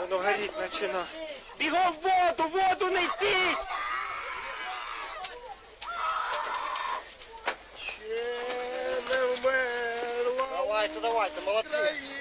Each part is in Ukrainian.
Воно горіть почина. Бігом воду несіть! Ще не вмерла. Давайте, молодці.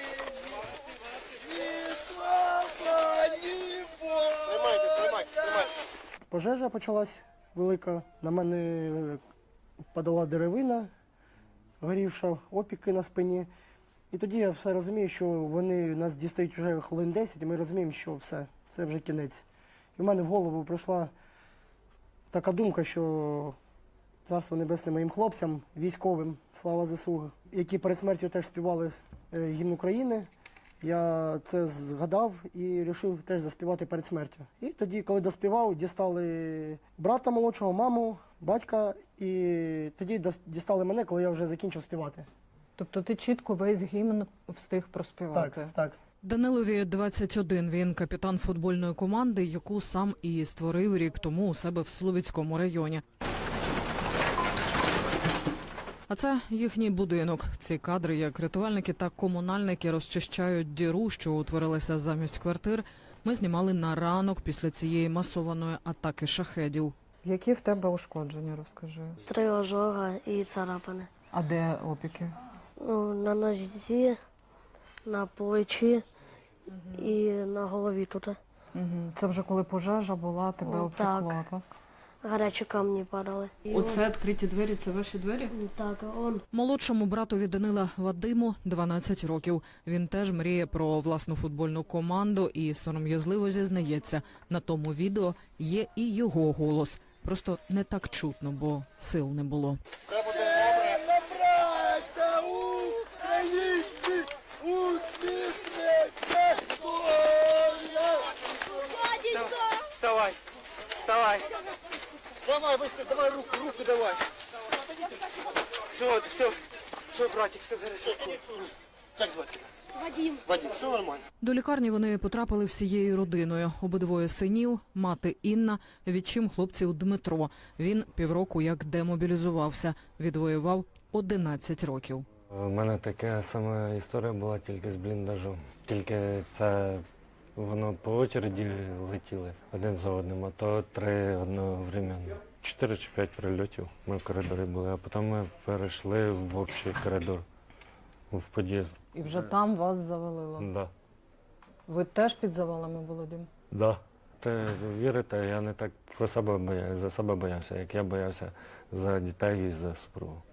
Тримайте. Пожежа почалась велика. На мене падала деревина, горівша, опіки на спині. І тоді я все розумію, що вони нас дістають вже хвилин 10, і ми розуміємо, що все, це вже кінець. І в мене в голову прийшла така думка, що царство небесне моїм хлопцям, військовим, слава ЗСУ, які перед смертю теж співали гімн України. Я це згадав і вирішив теж заспівати перед смертю. І тоді, коли доспівав, дістали брата молодшого, маму, батька, і тоді дістали мене, коли я вже закінчив співати. Тобто ти чітко весь гімн встиг проспівати? Так. Данилові 21, він капітан футбольної команди, яку сам і створив рік тому у себе в Слов'янському районі. А це їхній будинок. Ці кадри, як рятувальники та комунальники розчищають діру, що утворилася замість квартир, ми знімали на ранок після цієї масованої атаки шахедів. Які в тебе ушкодження, розкажи? 3 ожога і царапини. А де опіки? На нозі, на плечі і на голові тут. Це вже коли пожежа була, тебе обпекло, так? Гарячі камні падали. І Оце відкриті двері, це ваші двері? Так, он. Молодшому братові Данила Вадиму 12 років. Він теж мріє про власну футбольну команду і сором'язливо зізнається, на тому відео є і його голос. Просто не так чутно, бо сил не було. Все буде добре. Браття українці, усміхнеться доля. Вставай. Давай, быстро, давай руку давай. Все, братик, все хорошо. Як звати? Вадим. Вадим, все нормально. До лікарні вони потрапили всією родиною. Обидвоє синів, мати Інна, відчим хлопців Дмитро. Він півроку як демобілізувався, відвоював 11 років. У мене така сама історія була тільки з бліндажом. Тільки це воно по очереді летіли один за одним, а то 3 одновременно. 4 чи 5 прильотів ми в коридорі були, а потім ми перейшли в общий коридор, в під'їзд. І вже там вас завалило? Да. Ви теж під завалами були, Дім? Да. Ти вірите, я не так про себе боявся, за себе боявся, як я боявся за дітей і за супругу.